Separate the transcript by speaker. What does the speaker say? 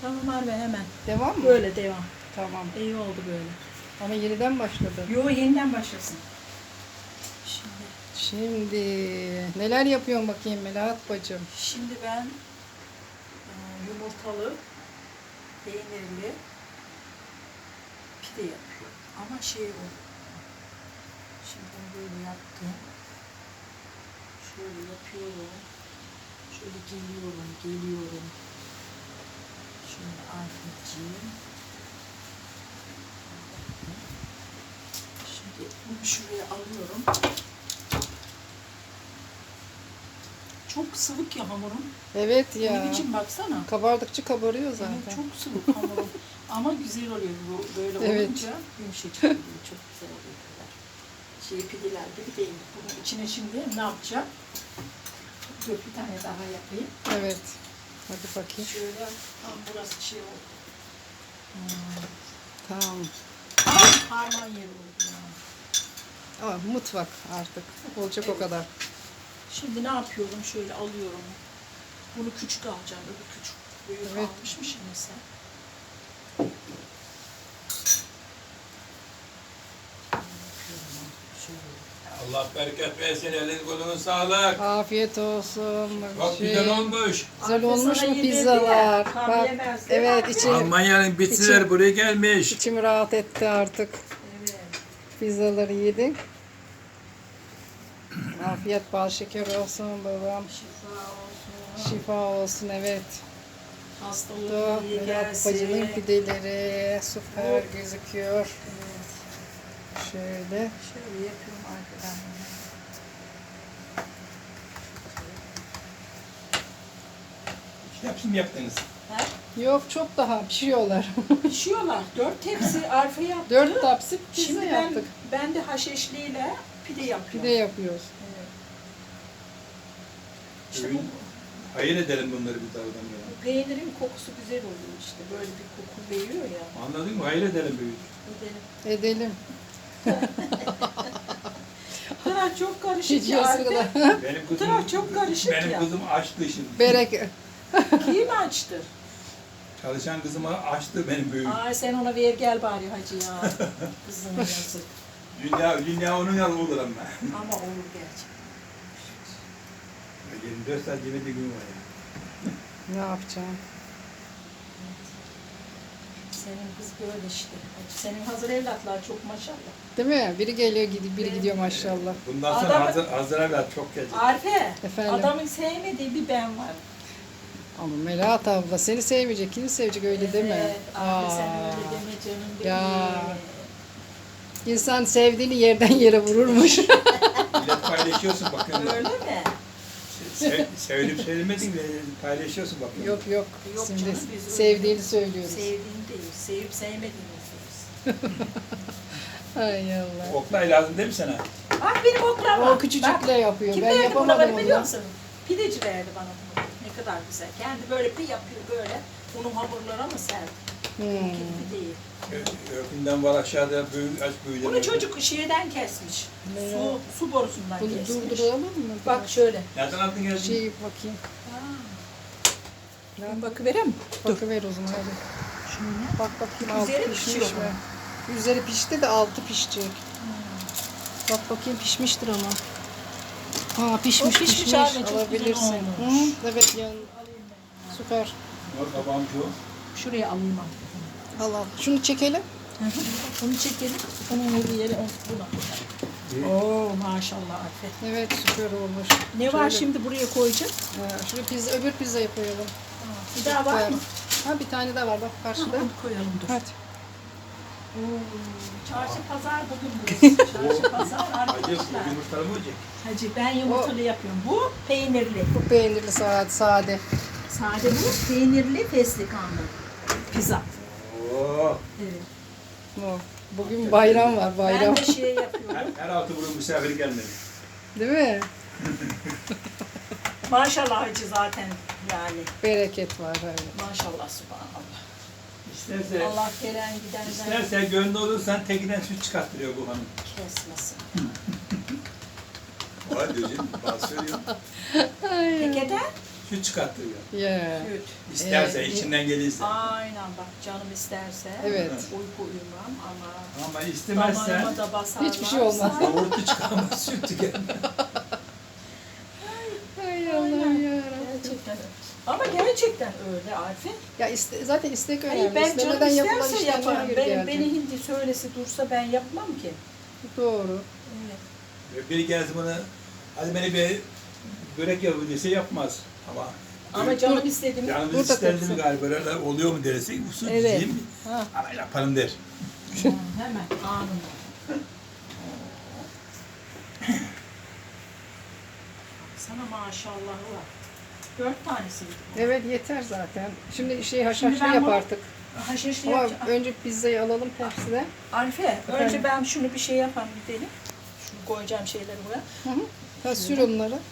Speaker 1: Tamam Arve hemen.
Speaker 2: Devam mı?
Speaker 1: Böyle devam.
Speaker 2: Tamam.
Speaker 1: İyi oldu böyle.
Speaker 2: Ama yeniden başladı.
Speaker 1: Yo yeniden başlasın.
Speaker 2: Şimdi neler yapıyorsun bakayım Melahat bacım?
Speaker 1: Şimdi ben yumurtalı, peynirli pide yapıyorum. Ama şey o. Şimdi bunu böyle yaptım. Şöyle yapıyorum. Şöyle geliyorum. Şöyle Arifeciğim. Şimdi bunu şuraya alıyorum. Çok sıvık ya hamurum.
Speaker 2: Evet ya.
Speaker 1: Onun için baksana.
Speaker 2: Kabardıkça kabarıyor zaten.
Speaker 1: Evet, çok sıvık hamurum. Ama güzel oluyor bu böyle
Speaker 2: Evet.
Speaker 1: olunca yumuşacık oluyor. Çok güzel oluyor. Pideler gibi değil. Bunun içine şimdi ne yapacağım? Dur bir tane daha yapayım.
Speaker 2: Evet. Hadi bakayım.
Speaker 1: Şöyle tam burası şey oldu.
Speaker 2: Tamam.
Speaker 1: Harman yeri oldu ya.
Speaker 2: Ama mutfak artık. Olacak o kadar.
Speaker 1: Şimdi ne yapıyorum? Şöyle alıyorum. Bunu küçük alacağım. Öbür küçük. Büyük
Speaker 2: Evet.
Speaker 1: almışmışım mesela.
Speaker 3: Allah bereket versin, elin kolunun sağlık.
Speaker 2: Afiyet olsun.
Speaker 3: Çok güzel olmuş.
Speaker 2: Güzel olmuş
Speaker 1: Sana
Speaker 2: mu
Speaker 1: yedirdi
Speaker 2: pizzalar?
Speaker 1: ya, tam
Speaker 2: Bak,
Speaker 1: yemez değil mi?
Speaker 2: evet içim,
Speaker 3: Almanya'nın bitsiler buraya gelmiş.
Speaker 2: içim rahat etti artık.
Speaker 1: Evet.
Speaker 2: Pizzaları yedik. Afiyet bal şeker olsun babam.
Speaker 1: Şifa olsun.
Speaker 2: Şifa olsun evet.
Speaker 1: Hastalığı iyi
Speaker 2: Melahat bacının
Speaker 1: gelsin.
Speaker 2: pideleri süper gözüküyor.
Speaker 1: Evet.
Speaker 2: Şöyle.
Speaker 1: Şöyle yapıyorum arkadan.
Speaker 3: Hepsini mi yaptınız?
Speaker 1: Ha?
Speaker 2: Yok çok daha pişiyorlar.
Speaker 1: Pişiyorlar. 4 tepsi arpa yaptı.
Speaker 2: 4 tapsi pizza
Speaker 1: Şimdi
Speaker 2: yaptık.
Speaker 1: ben de haşeşliyle pide yapıyorum.
Speaker 2: Pide yapıyoruz.
Speaker 1: Evet. İşte
Speaker 3: Öyle. Hayır edelim bunları bir dağdan ya.
Speaker 1: bu peynirin kokusu güzel oluyor işte. Böyle bir koku veriyor ya.
Speaker 3: Anladın mı? Hayır edelim büyük.
Speaker 1: Edelim.
Speaker 2: Edelim.
Speaker 1: Bu taraf çok
Speaker 2: Hiç
Speaker 1: karışık ya.
Speaker 2: yazıklar.
Speaker 3: Benim
Speaker 1: Bu taraf çok karışık
Speaker 3: benim
Speaker 1: ya.
Speaker 3: kızım açtı şimdi.
Speaker 2: Bereket.
Speaker 1: Kim açtı?
Speaker 3: Çalışan kızıma açtı benim büyük.
Speaker 1: Ay sen ona ver gel bari hacı ya. Kızım yazık.
Speaker 3: Dünya onun yanı olur ama.
Speaker 1: Ama olur gerçekten.
Speaker 3: 24 saat yemediği gün var ya.
Speaker 2: Ne yapacağım?
Speaker 1: Senin kız böyle işte. Senin hazır evlatlar çok maşallah.
Speaker 2: Değil mi? Biri geliyor gidiyor, biri gidiyor maşallah.
Speaker 3: Bundan sonra
Speaker 1: Adam-
Speaker 3: hazır evlat çok gelecek.
Speaker 1: Arife,
Speaker 2: Efendim?
Speaker 1: adamın sevmediği bir ben var.
Speaker 2: Ama Melahat abla seni sevmeyecek, kimi sevecek öyle deme.
Speaker 1: Evet, Arife sen
Speaker 2: Aa,
Speaker 1: öyle deme canım benim.
Speaker 2: Ya. İnsan sevdiğini yerden yere vururmuş.
Speaker 3: Millet paylaşıyorsun bakın.
Speaker 1: Öyle mi?
Speaker 3: Sevdim söylemedin mi? Paylaşıyorsun bakın.
Speaker 2: Yok yok.
Speaker 1: Yok
Speaker 2: Şimdi
Speaker 1: canım, biz öyle-
Speaker 2: sevdiğini söylüyoruz.
Speaker 1: Sevdiğini değil, sevip sevmediğini söylüyorsun.
Speaker 2: Ay Allah.
Speaker 3: Oklay lazım değil mi sana?
Speaker 1: Bak benim oklama.
Speaker 2: O küçücükle yapıyor.
Speaker 1: Kim
Speaker 2: Ben
Speaker 1: verdi
Speaker 2: yapamadım
Speaker 1: buraları biliyor
Speaker 2: onu.
Speaker 1: musun? Pideci verdi bana bunu. Ne kadar güzel. Kendi böyle bir yapıyor böyle. Unun hamurlara mı serdi? Kendi değil.
Speaker 3: Ökünden var aşağıda büyük aç büyüdü.
Speaker 1: Bunu çocuk şeyden kesmiş.
Speaker 2: Ne?
Speaker 1: Su borusundan
Speaker 2: Bunu
Speaker 1: kesmiş.
Speaker 2: durduralım mı?
Speaker 1: Bak şöyle.
Speaker 3: Nereden aldın geldin?
Speaker 2: Şey bakayım.
Speaker 1: Ben bakıvereyim mi?
Speaker 2: Bakıver o zaman hadi.
Speaker 1: Şöyle.
Speaker 2: Bak bakayım altı
Speaker 1: Üzeri
Speaker 2: pişmiş
Speaker 1: pişiyor
Speaker 2: mi? Üzeri pişti de altı pişecek. Bak bakayım pişmiştir ama. Ha pişmiş
Speaker 1: O pişmiş
Speaker 2: pişmiş.
Speaker 1: anne, çok güzel
Speaker 2: Alabilirsin.
Speaker 1: olmuş.
Speaker 2: Hı, evet yan. Süper.
Speaker 3: Yok babam şu.
Speaker 1: Şuraya alayım artık.
Speaker 2: Al al. Şunu çekelim.
Speaker 1: Bunu çekelim. Onun olduğu yere buna koyalım. Oo maşallah Arife.
Speaker 2: Evet süper olmuş.
Speaker 1: Ne var
Speaker 2: Şöyle.
Speaker 1: şimdi buraya koyacağım?
Speaker 2: Şurada pizza, öbür pizzayı koyalım.
Speaker 1: Bir daha var mı?
Speaker 2: Ha bir tane daha var bak karşıda.
Speaker 1: Onu koyalım dur.
Speaker 2: Hadi.
Speaker 1: Çarşı pazar bugün burası. Çarşı pazar
Speaker 3: Acı
Speaker 1: arkadaşlar.
Speaker 3: yumurtalı mı olacak?
Speaker 1: Hacı ben yumurtalı yapıyorum. Bu peynirli.
Speaker 2: Bu peynirli sade.
Speaker 1: Sade bu peynirli fesleğenli pizza.
Speaker 3: Oo.
Speaker 1: Evet.
Speaker 2: O. Bugün bayram var bayram.
Speaker 1: Ben de şey yapıyorum.
Speaker 3: Her altı burun misafir gelmedi.
Speaker 2: Değil mi?
Speaker 1: Maşallah hacı zaten yani.
Speaker 2: Bereket var öyle.
Speaker 1: Maşallah subhanallah.
Speaker 3: İsterse,
Speaker 1: Allah gelen gidenden
Speaker 3: isterse gönlü olursan tekinden süt çıkarttırıyor bu hanım.
Speaker 1: kesmesin.
Speaker 3: Var diyor canım, bazı söylüyor.
Speaker 1: Tekeden
Speaker 3: Süt çıkartıyor.
Speaker 2: Ya.
Speaker 1: Süt.
Speaker 3: İsterse, içinden gelirse.
Speaker 1: Aynen bak canım isterse.
Speaker 2: Evet.
Speaker 1: Uyku uyumam ama
Speaker 3: Ama istemezse
Speaker 1: damarıma da basarlarsa.
Speaker 2: Hiçbir şey olmaz.
Speaker 3: yoğurtlu çıkamaz, süt tükenmez.
Speaker 2: Ay Allah'ım yarabbim.
Speaker 1: Gerçekten öyle. Ama gerçekten öyle Arif'in.
Speaker 2: Ya zaten istek önemli.
Speaker 1: Hayır, ben canım
Speaker 2: İstemeden yapılan
Speaker 1: isterse
Speaker 2: işler
Speaker 1: yaparım.
Speaker 2: hayır
Speaker 1: Beni
Speaker 2: gelecek.
Speaker 1: hindi söylesi dursa ben yapmam ki.
Speaker 2: Doğru.
Speaker 1: Evet.
Speaker 3: Biri gelsin bana, hadi beni bir börek yapın dese yapmaz.
Speaker 1: Ama canım istediğimi
Speaker 3: Canımız
Speaker 2: Burada
Speaker 3: isterdi mi
Speaker 2: kopsun.
Speaker 3: galiba, böyle oluyor mu derse, usul
Speaker 2: Evet.
Speaker 3: diyeyim mi?
Speaker 2: Ha.
Speaker 3: Ama yaparım der.
Speaker 1: hemen anında. Sana maşallah var. 4 tanesiydi bu.
Speaker 2: Evet yeter zaten. Şimdi
Speaker 1: Şimdi
Speaker 2: haşhaşlı
Speaker 1: ben
Speaker 2: yap
Speaker 1: bunu-
Speaker 2: artık.
Speaker 1: Haşhaşlı
Speaker 2: Ama
Speaker 1: yapacağım.
Speaker 2: önce pizzayı alalım tepside.
Speaker 1: Arife, önce
Speaker 2: Efendim?
Speaker 1: ben şunu bir şey yapayım gidelim. Şunu koyacağım şeyleri buraya.
Speaker 2: Hı hı. Ha, sür onları.